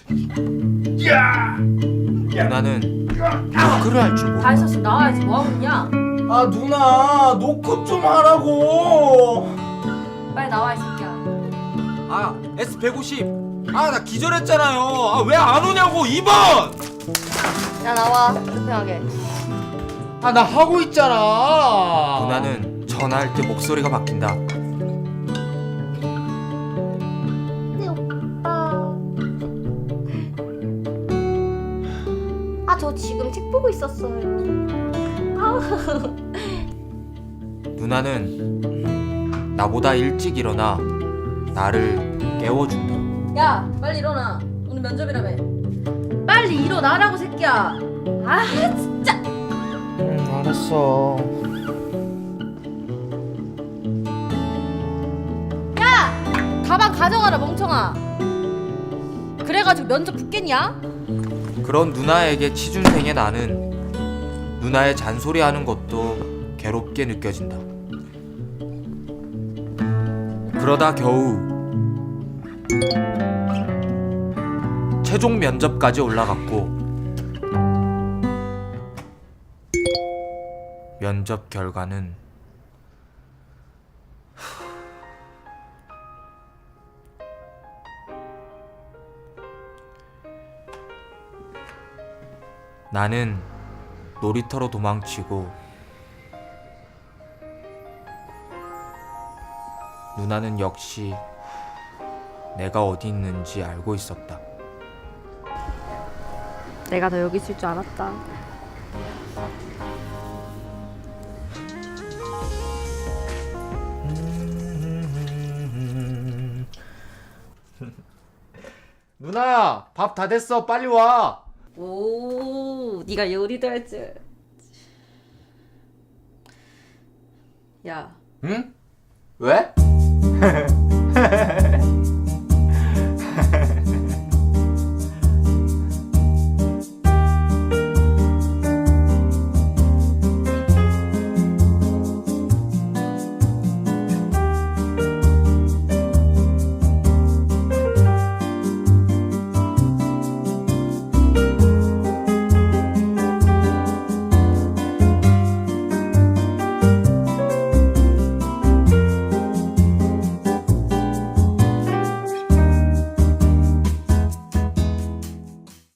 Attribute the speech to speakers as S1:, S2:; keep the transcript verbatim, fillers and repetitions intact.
S1: 누나는 노크를 할 줄 모른다.
S2: 다 했었으면 나와야지. 뭐하고 있냐?
S3: 아 누나 노크 좀 하라고.
S2: 빨리 나와 이 새끼야.
S1: 아 에스 백오십. 아 나 기절했잖아요. 아 왜 안 오냐고. 이 번.
S2: 야 나와. 불편하게.
S3: 아 나 하고 있잖아.
S1: 누나는 전화할 때 목소리가 바뀐다.
S2: 네 오빠. 아 저 지금 책 보고 있었어요.
S1: 누나는 나보다 일찍 일어나 나를 깨워준다.
S2: 야 빨리 일어나. 오늘 면접이라며. 빨리 일어나라고 새끼야. 아 진짜.
S3: 응 알았어.
S2: 야 가방 가져가라 멍청아. 그래가지고 면접 붙겠냐?
S1: 그런 누나에게 취준생의 나는 누나의 잔소리하는 것도 괴롭게 느껴진다. 그러다 겨우 최종 면접까지 올라갔고 면접 결과는 나는 놀이터로 도망치고 누나는 역시 내가 어디 있는지 알고 있었다.
S2: 내가 너 여기 있을 줄 알았다.
S3: 누나 밥 다 됐어 빨리 와.
S2: 오, 네가 요리도 할 줄. 야,
S3: 응? 왜?